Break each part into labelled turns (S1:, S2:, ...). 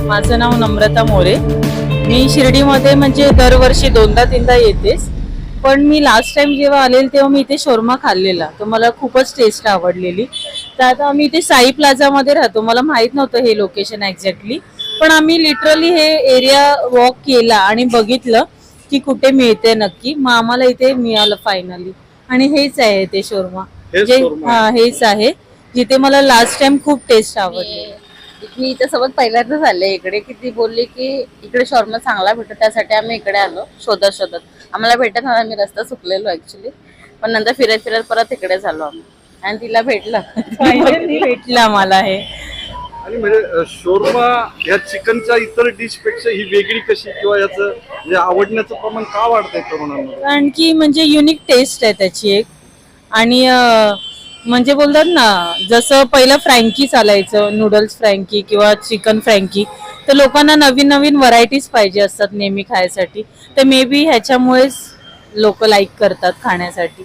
S1: माझं नाव नम्रता मोरे. मी शिर्डीमध्ये म्हणजे दरवर्षी 2दा-3दा येतेच. पण मी लास्ट टाइम जेव्हा आलेले तेव्हा मी इथे शोरमा खाल्लेला, तर मला खूपच टेस्ट आवडलेली. तर आता आम्ही इथे साई प्लाझामध्ये राहतो. मला माहित नव्हतं हे लोकेशन एक्झॅक्टली, पण आम्ही लिटरली हे एरिया वॉक केला आणि बघितलं की कुठे मिळते नक्की. मग आम्हाला इथे मिळालं फायनली. आणि हेच आहे ते शोरमा, जे हेच आहे जिथे मला लास्ट टाइम खूप टेस्ट आवडली.
S2: मी इथे सोबत पहिल्यांदाच आले इकडे, की ती बोलली की इकडे शॉर्मा चांगला भेटतो, त्यासाठी आम्ही इकडे आलो शोधत. आम्हाला भेटत नव्हता, आम्ही रस्ता चुकलेलो ऍक्च्युली. पण नंतर फिरत परत इकडे झालो आम्ही आणि तिला भेटलं.
S1: फायनली भेटला मला हे.
S3: आणि म्हणजे शोरमा या चिकनच्या इतर डिश पेक्षा ही वेगळी कशी, किंवा याचं म्हणजे आवडण्याचं प्रमाण का वाढतंय तरुणांमध्ये?
S1: कारण की म्हणजे युनिक टेस्ट आहे त्याची एक. आणि म्हणजे बोलतात ना, जसं पहिलं फ्रँकी चालायचं, नूडल्स फ्रँकी किंवा चिकन फ्रँकी, तर लोकांना नवीन नवीन व्हरायटीज पाहिजे असतात नेहमी खायसाठी. तर मे बी ह्याच्यामुळेच लोक लाईक करतात खाण्यासाठी.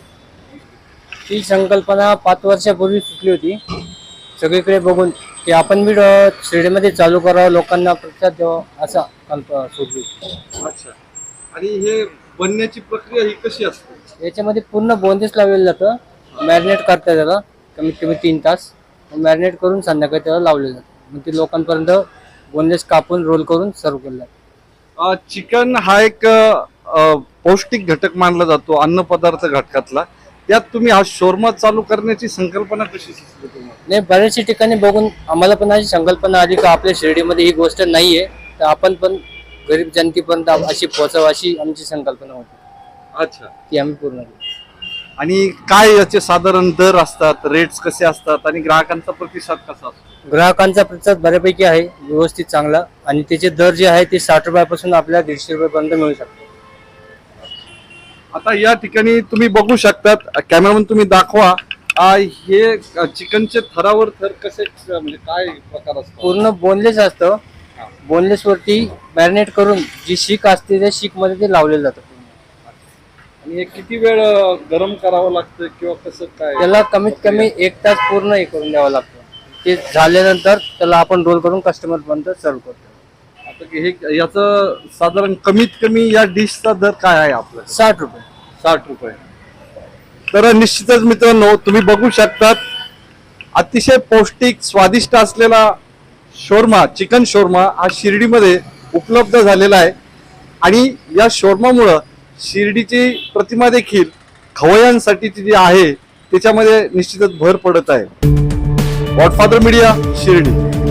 S4: ही संकल्पना 5 वर्षापूर्वी सुचली होती सगळीकडे बघून, की आपण बी शिर्डीमध्ये चालू करावं, लोकांना प्रतिसाद द्यावा, असा कल्पना सुचली.
S3: अच्छा. आणि हे बनण्याची प्रक्रिया ही कशी असते?
S4: याच्यामध्ये पूर्ण बोनलेस लावलेलं जातं. मॅरिनेट करतात त्याला कमीत कमी 3 तास. मॅरिनेट करून संध्याकाळी त्याला लावलेलं जातं. मग ते लोकांपर्यंत बोनलेस कापून रोल करून सर्व केलं जातं.
S3: चिकन हा एक पौष्टिक घटक मानला जातो अन्न पदार्थ घटकातला. त्यात तुम्ही हा शोरमा चालू करण्याची संकल्पना कशी सुचली तुम्हाला?
S4: नाही, बऱ्याचशा ठिकाणी बघून आम्हाला पण अशी संकल्पना आली का आपल्या शिर्डीमध्ये ही गोष्ट नाहीये, तर आपण पण गरीब जनतेपर्यंत अशी पोहोचावं, अशी आमची संकल्पना होती.
S3: अच्छा.
S4: ती आम्ही पूर्ण केली.
S3: आणि काय याचे साधारण दर असतात, रेट्स कसे असतात आणि ग्राहकांचा प्रतिसाद कसा असतो?
S4: ग्राहकांचा प्रतिसाद बऱ्यापैकी आहे, व्यवस्थित चांगला. आणि त्याचे दर जे आहे ते 60 रुपयापासून आपल्याला 150 रुपयापर्यंत मिळू शकतो.
S3: आता या ठिकाणी तुम्ही बघू शकतात, कॅमेरामन तुम्ही दाखवा. हे चिकनचे थरावर थर कसे, म्हणजे काय प्रकार असतो?
S4: पूर्ण बोनलेस असतं. बोनलेस वरती मॅरिनेट करून जी शीक असते त्या शीक मध्ये ते लावलेलं जातं.
S3: आणि हे किती वेळ गरम करावं लागतं किंवा कसं काय?
S4: त्याला कमीत कमी 1 तास पूर्ण हे करून द्यावं लागतं. ते झाल्यानंतर त्याला आपण रोल करून कस्टमर पर्यंत सर्व करतो.
S3: आता हे याचं साधारण कमीत कमी या डिशचा दर काय आहे आपला?
S4: 60 रुपये.
S3: 60 रुपये. तर निश्चितच मित्रांनो, तुम्ही बघू शकतात अतिशय पौष्टिक स्वादिष्ट असलेला शोरमा, चिकन शोरमा हा शिर्डीमध्ये उपलब्ध झालेला आहे. आणि या शोरमामुळं शिर्डीची प्रतिमा देखील खवय्यांसाठी जी आहे त्याच्यामध्ये निश्चितच भर पडत आहे. Godfather media, Shirdi.